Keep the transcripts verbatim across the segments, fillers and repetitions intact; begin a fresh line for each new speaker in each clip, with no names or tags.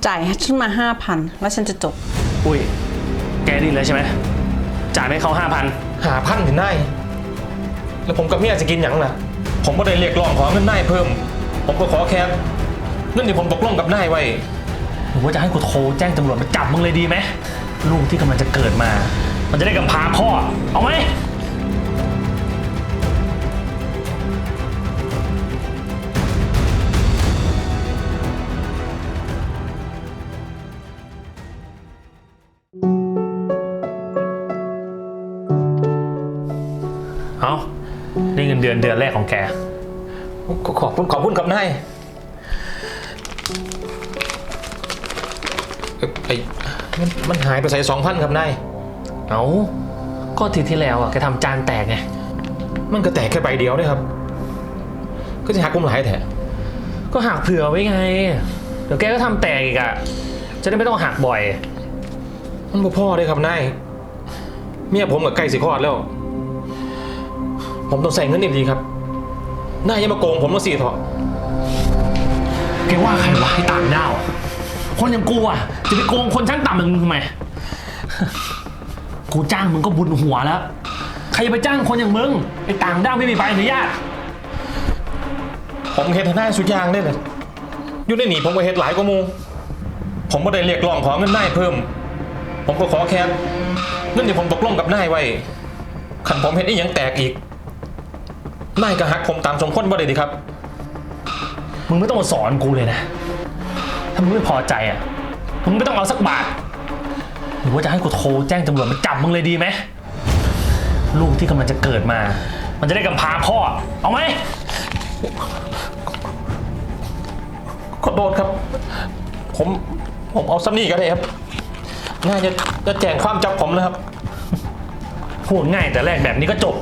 จ่ายให้ฉันมาห้าพันแล้วฉันจะจบ
อุ้ยแกนี่เลยใช่ไหมจ่ายให้เขาห้าพัน
หาพันถึงได้แล้วผมกับเมียจะกินอย่างล่ะผมก็ได้เรียกร้องขอเงินนายเพิ่มผมก็ขอแค่เงินที่ผมตกลงกับนายไว้
หรือว่าจะให้กูโทรแจ้งตำรวจมาจับมึงเลยดีไหมลูกที่กำลังจะเกิดมามันจะได้กำพร้าพ่อเอาไหมเอานี่เงินเดือนเดือนแรกของแก
ขอบคุณขอบคุณกับนายไอ้มันหายไปใส่สองพันครับนาย
เอาก็ทีที่แล้วอ่ะแกทำจานแตกไง
มันก็แตกแค่ใบเดียวด้วยครับก็จะหักกุ้มหลายแถะ
ก็หักเผื่อไว้ไงเดี๋ยวแกก็ทำแตกอีกอ่ะจะได้ไม่ต้องหักบ่อย
มันบ่พ่อเลยครับนายเมียผมกับไก่สิคลอดแล้วผมต้องใส่เงินดีๆครับนายยังมาโกงผมมาสี่เถอะ
แกว่าใครวะให้ต่างดาวคนอย่างกูอ่ะจะไปโกงคนชั้นต่ำอย่างมึงทำไมกูจ้างมึงก็บุญหัวแล้วใครจะไปจ้างคนอย่างมึงไอ้ต่างด้าวไม่มีใบอนุญาต
ผมเฮ็ดให้นายสุดยางได้เลยอยู่ในหนีผมก็เฮ็ดหลายกว่ามูผมก็ได้เรียกร้องขอเงินนายเพิ่มผมก็ขอแค่เงินที่ผมตกลงกับนายไว้ขันผมเฮ็ดอีหยังแตกอีกนายก็หักผมตามสมควรบ่ได้ดีครับ
มึงไม่ต้องมาสอนกูเลยนะถ้ามึงไม่พอใจอ่ะมึงไม่ต้องเอาสักบาทหรือว่าจะให้กูโทรแจ้งตำรวจมาจับมึงเลยดีไหมลูกที่กำลังจะเกิดมามันจะได้กำพร้าพ่อเอาไหม
ขอโทษครับผมผมเอาซัมนี่ก็ได้ครับน่าจะจะแจ้งความจับผมนะครับ
พูดง่ายแต่แรกแบบนี้ก็จบ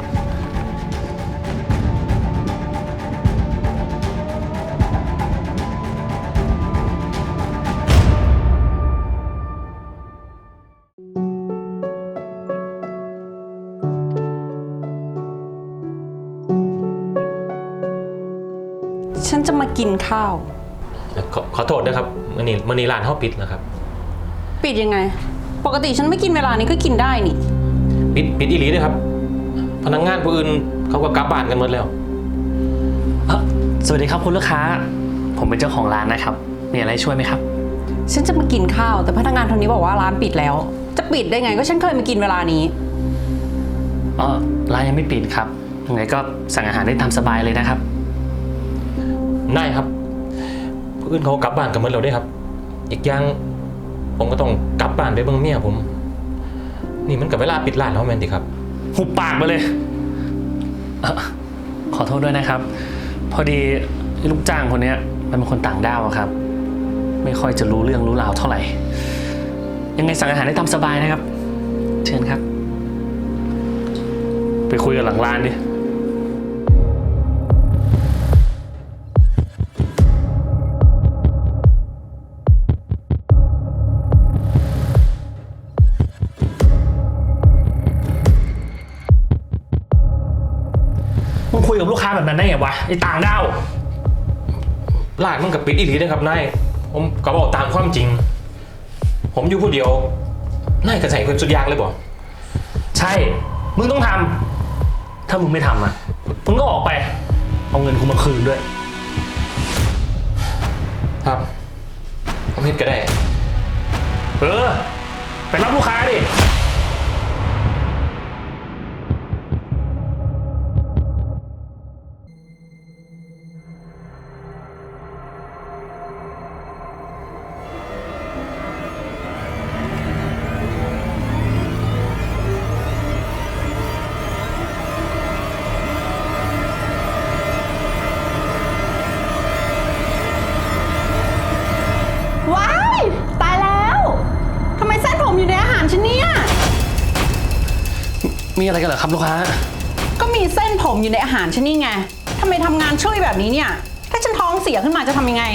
ฉันจะมากินข้าว
ขอขอโทษนะครับมื่อนี้มื่อนี้ร้านเขาปิดนะครับ
ปิดยังไงปกติฉันไม่กินเวลานี้ก็กินได้นี่
ปิดปิดอีหลีด้วยครับพนักงานผู้อื่นเขาก็กลับบ้านกันหมดแล้ว
สวัสดีครับคุณลูกค้าผมเป็นเจ้าของร้านนะครับมีอะไรช่วยไหมครับ
ฉันจะมากินข้าวแต่พนักงานคนนี้บอกว่าร้านปิดแล้วจะปิดได้ไงก็ฉันเคยมากินเวลานี้
อ๋อร้านยังไม่ปิดครับยังไงก็สั่งอาหารได้ตามสบายเลยนะครับ
นายครับผู้อื่นเขากลับบ้านกันหมดแล้วด้วยครับอีกอย่างผมก็ต้องกลับบ้านไปเบิ่งเมียผมนี่มันกับเวลาปิดร้านแล้วแมนดิครับ
หุบปากมาเลยขอโทษด้วยนะครับพอดีลูกจ้างคนนี้มันเป็นคนต่างด้าวครับไม่ค่อยจะรู้เรื่องรู้ราวเท่าไหร่ยังไงสั่งอาหารได้ตามสบายนะครับเชิญครับไปคุยกันหลังร้านดิคุยกับลูกค้าแบบนั้นได้ไงวะไอ้ต่างดาว
ร้านมันกับปิดอีหลีได้ครับนายผมก็บอกตามความจริงผมอยู่ผู้เดียวนายกระใส่เพิ่มสุดยางเลยบ่
ใช่มึงต้องทำถ้ามึงไม่ทำอ่ะมึงก็ออกไปเอาเงินกูมาคืนด้วย
ครับผมเฮ็ดก็ได้
เออไปรับลูกค้าดิมีอะไรกันเหรอครับลูกค้า
ก็มีเส้นผมอยู่ในอาหารฉันนี่ไงทำไมทำงานช่วยแบบนี้เนี่ยถ้าฉันท้องเสียขึ้นมาจะทำยังไง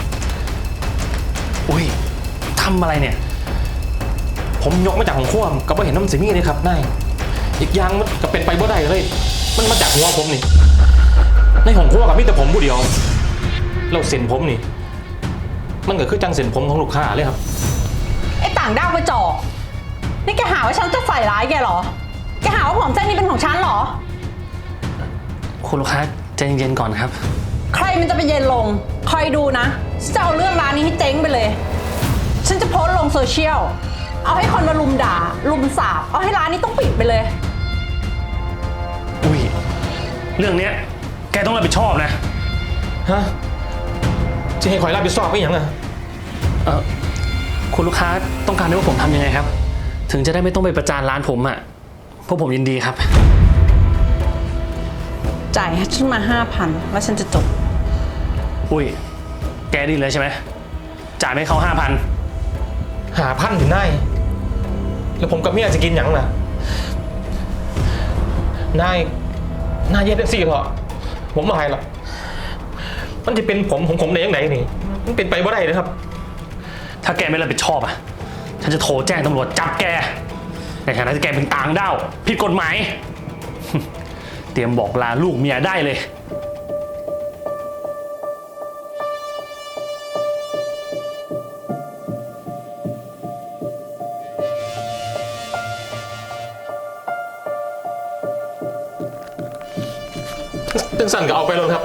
อุ้ยทำอะไรเนี่ย
ผมยกมาจากของขั้วก็ไม่เห็นน้ำสีมีเลยครับนายอีกอย่างมันก็เป็นไปบ่ได้เลยมันมาจากหัวผมนี่ในของขั้วกับมีแต่ผมผู้เดียวเราเส้นผมนี่มันก็คือจังเส้นผมของลูกค้าเลยครับ
ไอ้ต่างด้าวกระจอกนี่แกหาว่าฉันจะใส่ร้ายแกเหรอ แกหาว่าผมเส้นนี้เป็นของฉันเหรอ
คุณลูกค้าใจเย็นๆก่อนครับ
ใครมันจะไปเย็นลง คอยดูนะฉันจะเอาเรื่องร้านนี้ให้เจ๊งไปเลย ฉันจะโพสต์ลงโซเชียล เอาให้คนมาลุมด่า ลุมสาบ เอาให้ร้านนี้ต้องปิดไปเลย
อุ้ยเรื่องเนี้ยแกต้องรับผิดชอบนะ
ฮะ จะให้คอยรับผิดชอบไม่ยังอ่ะ
เออคุณลูกค้าต้องการให้ว่าผมทำยังไงครับ ถึงจะได้ไม่ต้องไปประจานร้านผมอ่ะพวกผมยินดีครับ
จ่ายให้ฉันมาห้าพันแล้วฉันจะจบ
อุ้ยแกดีเลยใช่ไหมจ่ายให้เขาห้าพัน
หาพันถึงได้ แล้วผมกับเมียจะกินหยังล่ะ นาย นายเย็ดสี่เถอะผมไม่ให้หรอกมันจะเป็นผมของผมได้ยังไงนี่ มันเป็นไปบ่ได้นะครับ
ถ้าแกไม่รับผิดชอบอ่ะฉันจะโทรแจ้งตำรวจจับแกในฐานะที่แกเป็นต่างด้าวผิดกฎหมาย เตรียมบอกลาลูกเมียได้เลย
ตึงสั่นก็เอาไปเลยครับ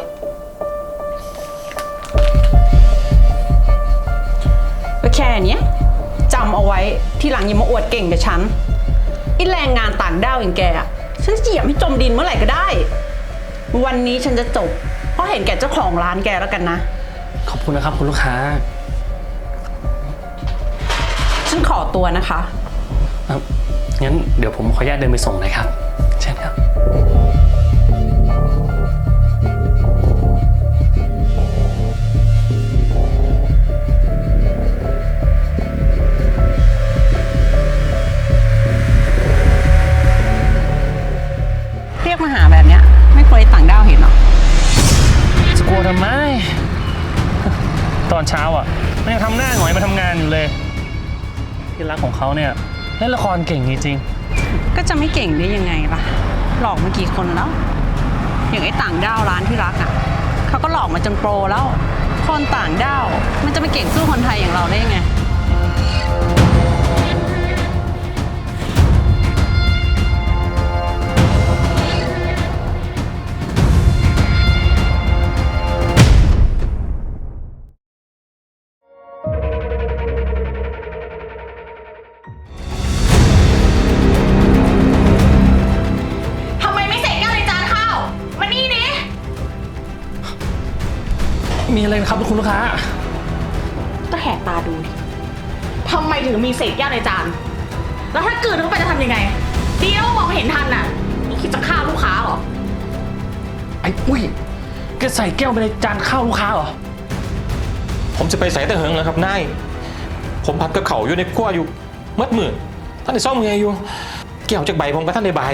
ก็แค่เนี้ยจำเอาไว้ทีหลังอย่ามาอวดเก่งกับฉันไอ้แรงงานต่างด้าวอย่างแกอะฉันจะเหยียบให้จมดินเมื่อไหร่ก็ได้ วันนี้ฉันจะจบ เพราะเห็นแก่เจ้าของร้านแกแล้วกันนะ
ขอบคุณนะครับคุณลูกค้า
ฉันขอตัวนะคะ
เอ่องั้นเดี๋ยวผมขออนุญาตเดินไปส่งนะครับเช่นครับ
เรียกมาหาแบบเนี้ยไม่เคยต่างด้าวเห็นหรอ
จะกลัวทำไม ตอนเช้าอ่ะมันยังทำหน้าหงอยมาทำงานอยู่เลย ที่รักของเขาเนี่ยเล่นละครเก่งจริง
ก็จะไม่เก่งได้ยังไงล่ะ หลอกมากี่คนแล้ว อย่างไอ้ต่างด้าวร้านที่รักอ่ะเขาก็หลอกมาจนโปรแล้ว คนต่างด้าวมันจะไปเก่งสู้คนไทยอย่างเราได้ยังไง
ทำไมไม่เสร็จแก้วในจานข้าว มานี่ดิ
ๆ มีอะไรนะครับคุณลูกค้า
ก็แหกตาดูดิทำไมถึงมีเศษแก้วในจาน แล้วถ้ากลืนเข้าไปจะทำยังไง ดีแล้วมองไม่เห็นทันน่ะนี่คิดจะฆ่าลูกค้าเหรอ
ไอ้ปุ้ยแกใส่แก้วไปในจานข้าวลูกค้าเหรอ
ผมจะไปใส่แต่เหิงแล้วครับนาย ผมพัดกับเขาอยู่ในขั้วอยู่มัดมือท่านได้ซ่อมเมียอยู่ แก้วจากใบผมกับท่านได้ใบ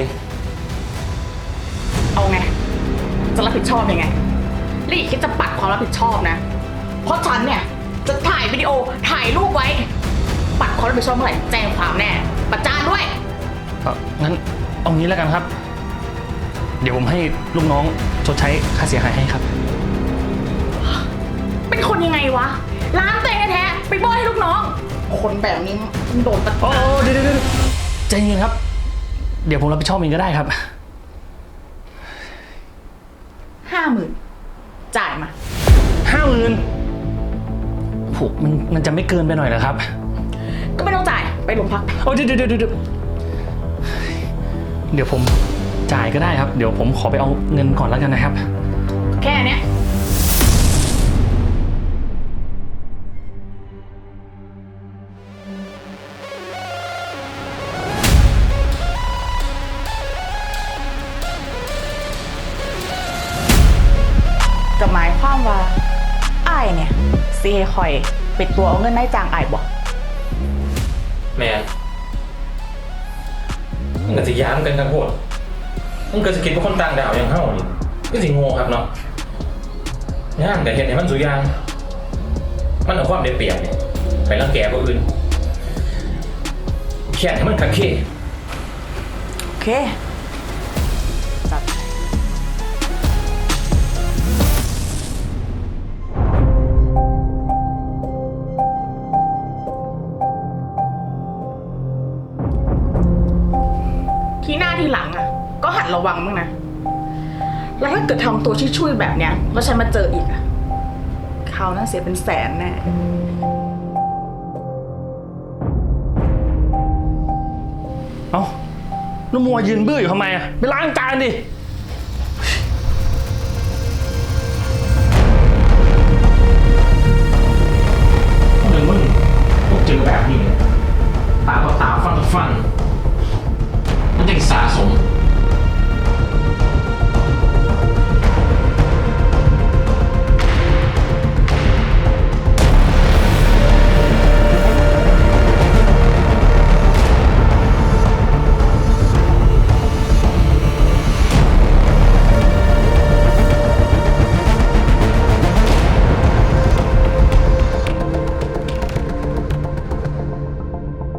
เอาไง จะรับผิดชอบยังไงลี่คิดจะปัดความรับผิดชอบนะ เพราะฉันเนี่ยจะถ่ายวิดีโอถ่ายรูปไว้ ปัดความรับผิดชอบเมื่อไหร่แจ้งความแน่ ประจานด้วย
เอ่องั้นเอางี้แล้วกันครับ เดี๋ยวผมให้ลูกน้องชดใช้ค่าเสียหายให้ครับ
เป็นคนยังไงวะ ร้านตัวเองแท้ๆไปโบยให้ลูกน้อง คนแบบนี้มันโดนประ
โอ้
จาน
เดี๋ยวเดี๋ยวใจเย็นครับ เดี๋ยวผมรับผิดชอบเองก็ได้ครับ
ห้าหมื่นจ่ายมา
ห้าหมื่นผูกมันมันจะไม่เกินไปหน่อยเหรอครับ
ก็ไม่ต้องจ่ายไปโรงพัก
โอ้เดี๋ยวเดี๋ยวเดี๋ยวเดี๋ยวเดี๋ยวผมจ่ายก็ได้ครับ เดี๋ยวผมขอไปเอาเงินก่อนแล้วกันนะครับ
แค่เนี้ยจะหมายความว่าอ้ายเนี่ยซีให้คอยปิดตัวเอาเงินได้จางอ้ายบ่
แม่มันก็จะย้ำกันกันโหดมันก็จะคิดว่าคนต่างดาวอย่างเฮ้านี่ก็สิโง่ครับเนาะย่างแต่เห็นให้มันสุยาง มันเอาความได้เปรียบเนี่ยไปรังแกผู้อื่นแข่งให้มันขัดเค้
โอเคจัดที่หน้าที่หลังอ่ะ ก็หัดระวังบ้างนะ แล้วถ้าเกิดทำตัวช่วยๆแบบเนี้ยแล้วฉันมาเจออีกอ่ะคราวหนั้นเสียเป็นแสนแน่
เอ้าแล้วมัวยืนบื้ออยู่ทำไมอะไปล้างจานดิ